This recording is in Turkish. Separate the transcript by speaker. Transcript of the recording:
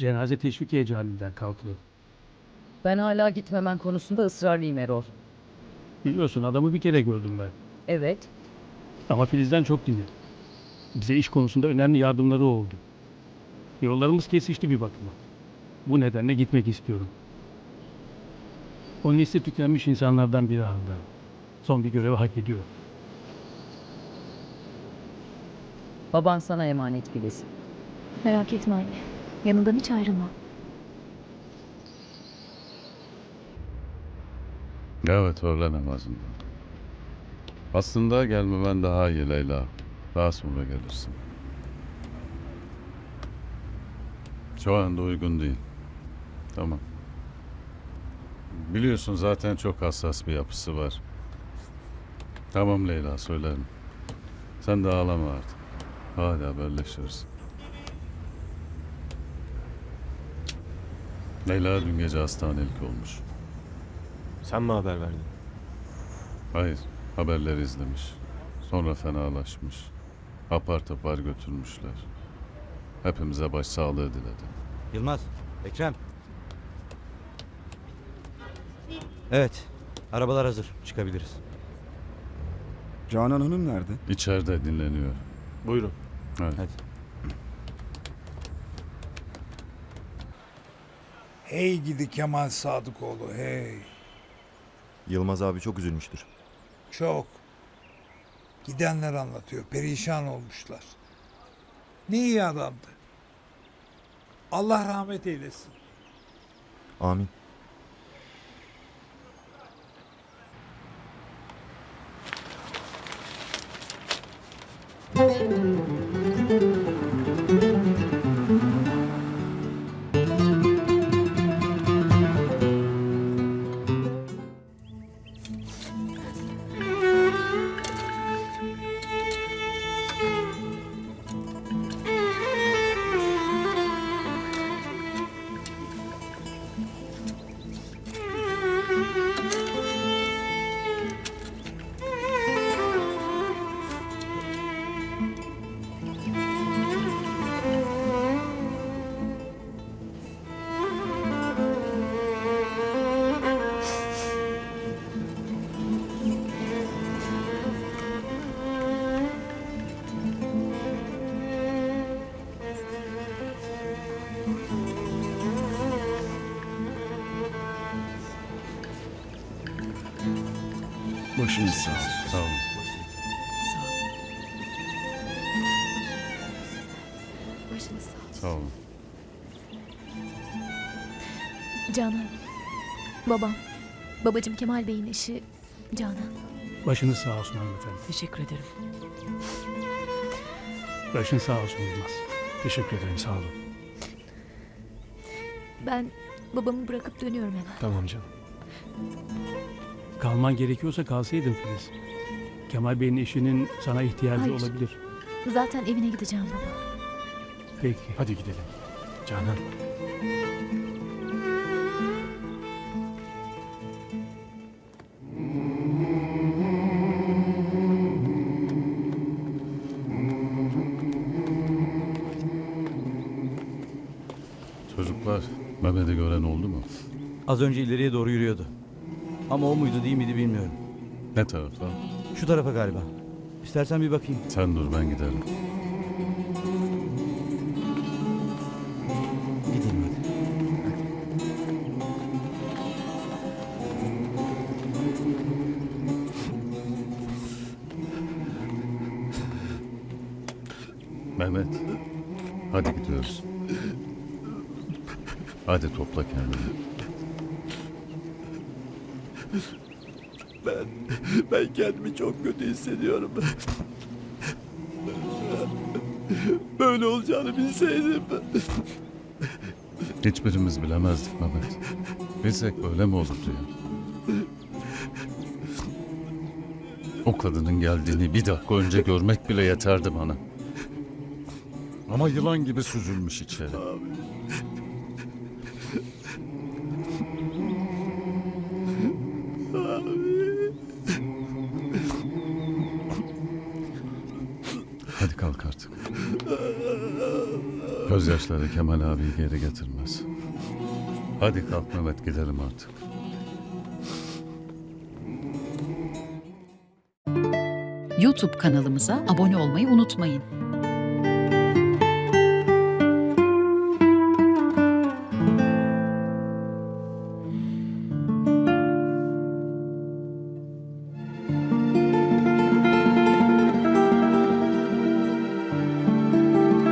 Speaker 1: Cenaze teşvikiye camiinden kalkıyor.
Speaker 2: Ben hala gitmemen konusunda ısrarlıyım Erol.
Speaker 1: Biliyorsun adamı bir kere gördüm ben.
Speaker 2: Evet.
Speaker 1: Ama Filiz'den çok dinledim. Bize iş konusunda önemli yardımları oldu. Yollarımız kesişti bir bakıma. Bu nedenle gitmek istiyorum. O nesli tükenmiş insanlardan biri halde. Son bir görevi hak ediyor.
Speaker 2: Baban sana emanet Filiz.
Speaker 3: Merak etme anne. Yanından hiç ayrılma.
Speaker 4: Evet, öğle namazında. Aslında gelmemen daha iyi Leyla. Daha sonra gelirsin. Şu anda uygun değil. Tamam. Biliyorsun zaten çok hassas bir yapısı var. Tamam Leyla, söylerim. Sen de ağlama artık. Hadi haberleşiriz. Leyla dün gece hastanelik olmuş.
Speaker 5: Sen mi haber verdin?
Speaker 4: Hayır, haberleri izlemiş. Sonra fenalaşmış. Apar topar götürmüşler. Hepimize başsağlığı diledi.
Speaker 6: Yılmaz, Ekrem. Evet, arabalar hazır. Çıkabiliriz.
Speaker 7: Canan Hanım nerede?
Speaker 4: İçeride dinleniyor.
Speaker 5: Buyurun.
Speaker 4: Evet.
Speaker 6: Hadi.
Speaker 8: Hey gidi Kemal Sadıkoğlu hey.
Speaker 5: Yılmaz abi çok üzülmüştür.
Speaker 8: Çok. Gidenler anlatıyor. Perişan olmuşlar. Ne iyi adamdı. Allah rahmet eylesin.
Speaker 5: Amin.
Speaker 7: Başınız sağ olsun.
Speaker 4: Sağ olun.
Speaker 3: Başınız sağ olsun.
Speaker 4: Sağ olun.
Speaker 3: Canan. Babam. Babacım Kemal Bey'in eşi Canan.
Speaker 1: Başınız sağ olsun hanımefendi.
Speaker 2: Teşekkür ederim.
Speaker 1: Başın sağ olsun Yılmaz. Teşekkür ederim, sağ olun.
Speaker 3: Ben babamı bırakıp dönüyorum hemen.
Speaker 5: Tamam canım.
Speaker 1: Kalman gerekiyorsa kalsaydın Filiz. Kemal Bey'in eşinin sana ihtiyacı
Speaker 3: Hayır.
Speaker 1: olabilir.
Speaker 3: Zaten evine gideceğim baba.
Speaker 1: Peki.
Speaker 5: Hadi gidelim. Canan.
Speaker 4: Çocuklar, Mehmet'i gören oldu mu?
Speaker 6: Az önce ileriye doğru yürüyordu. Ama o muydu değil miydi bilmiyorum.
Speaker 4: Ne tarafa?
Speaker 6: Şu tarafa galiba. İstersen bir bakayım.
Speaker 4: Sen dur, ben giderim.
Speaker 6: Gidelim hadi.
Speaker 4: Mehmet, hadi gidiyoruz. Hadi topla kendini.
Speaker 5: Ben kendimi çok kötü hissediyorum. Böyle olacağını bilseydim.
Speaker 4: Hiçbirimiz bilemezdik Mehmet. Bilsek böyle mi olurdu ya? O kadının geldiğini bir dakika önce görmek bile yeterdi bana. Ama yılan gibi süzülmüş içeri. Hadi kalk artık. Gözyaşları Kemal abiyi geri getirmez. Hadi kalk Mehmet, gidelim artık.
Speaker 7: YouTube kanalımıza abone olmayı unutmayın.